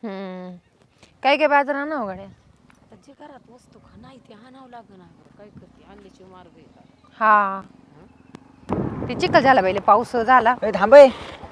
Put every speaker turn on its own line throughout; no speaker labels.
काय काय बाजार आणावं गाड्या.
आता जे घरात वस्तू नाही ते आणावं लागणार. काय करते आणल्याचे मार्ग येतात.
हा ते चिखल झाला पहिले पाऊस झाला.
थांबय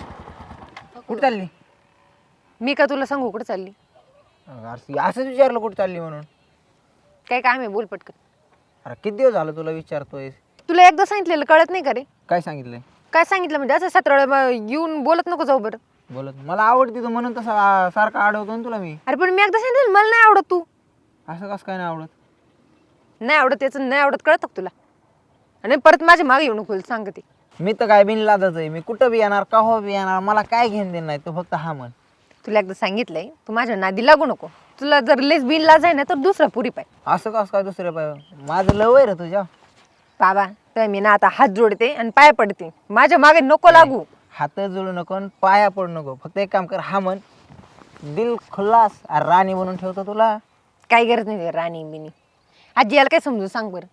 कुठं चालली?
मी का तुला सांगू कुठं चालली?
असंच विचारलं कुठं चालली म्हणून.
काय काम आहे बोल पटकन.
अरे किती दिवस झालं तुला विचारतोय.
तुला एकदा सांगितलेलं कळत नाही का रे?
काय सांगितलंय?
काय सांगितलं म्हणजे असं 17 वेळा येऊन बोलत नको जाऊ बरं.
बोलत मला आवडती तू म्हणून तसा सारखा अडवतो ना तुला मी.
अरे पण मी एकदा सांगितलं मला नाही आवडत तू.
असं कसं काय नाही आवडत?
नाही आवडत त्याचं नाही आवडत कळत का तुला? आणि परत माझ्या मागे येऊ नको सांगते.
मी तर काय बिनलादच आहे. मी कुठं बी येणार का हो बी येणार मला काय घेऊन देणार नाही. तू फक्त हा म्हण.
तुला एकदा सांगितलंय तू माझ्या नादी लागू नको. तुला जर लेस बिन लाज आहे ना तर दुसरा पुरी पाय.
असं कसं काय दुसरं पाय? माझं लव आहे रे तुझ्या
बाबा तर मी ना आता हात जोडते आणि पाय पडते. माझ्या मागे नको लागू.
हात जोडू नको आणि पाया पडू नको. फक्त एक काम कर हा म्हण दिल खुल्लास राणी बनवून ठेवतो तुला.
काय गरज नाही राणी बिनी. आजी याला काय समजून सांग बरं.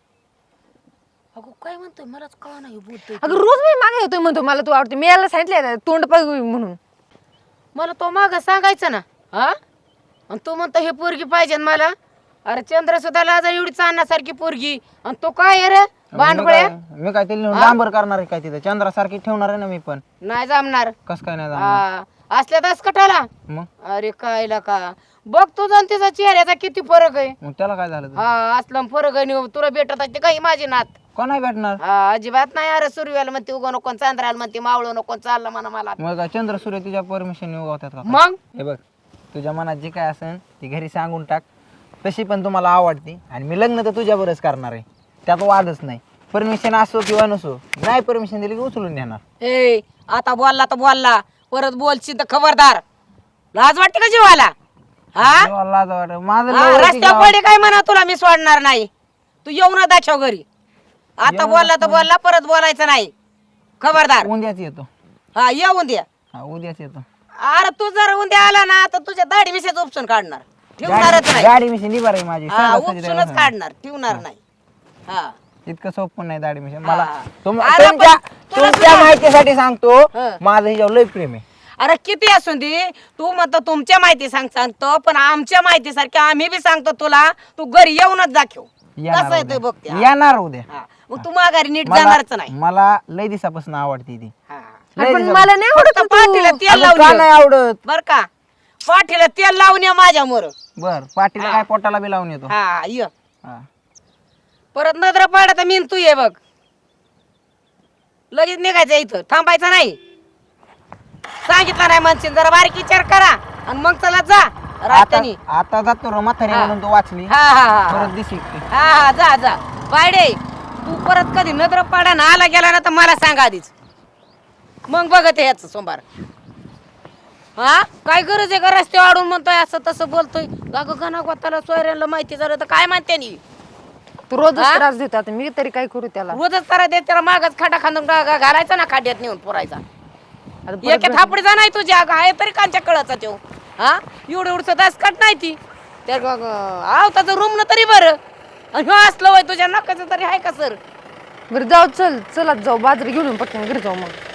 अगो काय म्हणतोय मलाच कळा नाही बोलतोय.
अगं रोज मी मागे येतोय म्हणतो मला तू आवडते. मी याला सांगितलंय तोंड पाय म्हणून.
मला तो माग सांगायचं ना. हा आणि तू म्हणतो हे पोरगी पाहिजे मला. अरे चंद्र सुद्धा लाजा एवढी चालण्यासारखी पोरगी आणि तो काय रे भांडगुळ्या.
मी काय तिला डांबर करणार आहे काय तिथं चंद्रासारखी ठेवणार आहे ना मी पण.
नाही जमणार.
कस काय नाही जमणार?
असल्या दस कटाला
मग
अरे काय का बघ तुझा आणि तिचा चेहऱ्याचा किती फरक आहे.
मग त्याला काय झालं?
हा असलं फरक आहे. तुला भेटत आहे काही माझी नात.
कोण नाही भेटणार?
हा अजिबात नाही. अरे सूर्याला म्हणते उगा नको चांद्राला म्हणते मावळ नको चाललं म्हणा मला.
मग काय चंद्र सूर्य तुझ्या परमिशन उगवतात का?
मग
हे बघ तुझ्या मनात जे काय असेल ती घरी सांगून टाक. तशी पण तुम्हाला आवडते आणि मी लग्न तर तुझ्या बरंच करणार आहे. त्यात वादच नाही. परमिशन असो किंवा नसो नाही परमिशन दिली की उचलून देणार.
ए आता बोलला तर बोलला परत बोलशील तर खबरदार. लाज वाटते का जीवाला? हा
लाज वाटत माझं
हा,
लय वरती
रस्त्यावर
गाव.
पडे काय म्हणा तुला मी सोडणार नाही. तू येऊ ना दाखव घरी. आता बोलला तर बोलला परत बोलायचं नाही. खबरदार.
उद्याच येतो.
हा येऊन द्या.
हा उद्याच येतो.
अरे तू जर उद्या आला ना तर तुझ्या दाढी मिशाचं उपसून काढणार. ठेवणारच नाही.
गाडी मिशन निभार आहे माझी.
हा उपसूनच काढणार. ठेवणार नाही. हा
इतकं सोपं नाही दाढी मिशन
हा.
मला.
अरे पण तुला
तुमच्या माहितीसाठी सांगतो
हं.
माझं हिच्यावर लय प्रेम आहे.
अरे किती असून दे तू म्हणतो तुमच्या माहिती सांगतो पण आमच्या माहितीसारखी आम्ही बी सांगतो तुला. तू घरी येऊनच दाखव कसं आहे ते बघते. हा.
येणार उद्या.
हा. मग तू माघारी नीट जाणारच नाही.
मला लय दिवसापासून आवडती ती.
हा.
लय
पण
दिवसापासून.
मला नाही आवडत
फक्त पाठीला तेल
अगं,
लावून
का
ये.
नाही आवडत?
बर का पाठीला तेल लावून ये माझ्या मोर.
बर पाटीला काय पोटाला बी लावून येतो.
हा ये
हा.
परत नजर पाडत मी तू ये बघ. लगेच निघायचं इथं थांबायचं नाही. सांगितलं नाही म्हणशील जरा बारीक विचार करा आणि मग चला जा
आता
रस्त्यानी.
आता जातो रे म्हातारी
हा.
म्हणून तू वाचली.
हा हा हा
परत दिसेल ती.
हा हा जा जा बायडे. तू परत कधी नजर पाडा ना आला गेला ना तर मला सांग आधीच. मग बघत याच सोमवार. हा काय गरज आहे का रस्ते वाढून म्हणतोय असं तसं बोलतोय. गाग गणा गोताला सोयऱ्यांना माहिती झालं तर काय म्हणते नी.
तू रोज
हा?
त्रास देतो आता मी तरी काय करू त्याला.
रोजच करा दे त्याला मागच खाटा खांदून घालायचा ना खाड्यात नेऊन पुरायचा.
आता परत
एक थापडीचा नाही तुझ्या आहे तरी कांच्या कळाचा तो. हा एवढं एवढं दासकट नाही ती. त्या आवताचं रूम न तरी बरं. आणि ह्यो असलं वय तुझ्या नकाचं तरी आहे का सर.
बरं जाऊ चल चला जाऊ बाजरी घेऊन पटकन घरी जाऊ मग.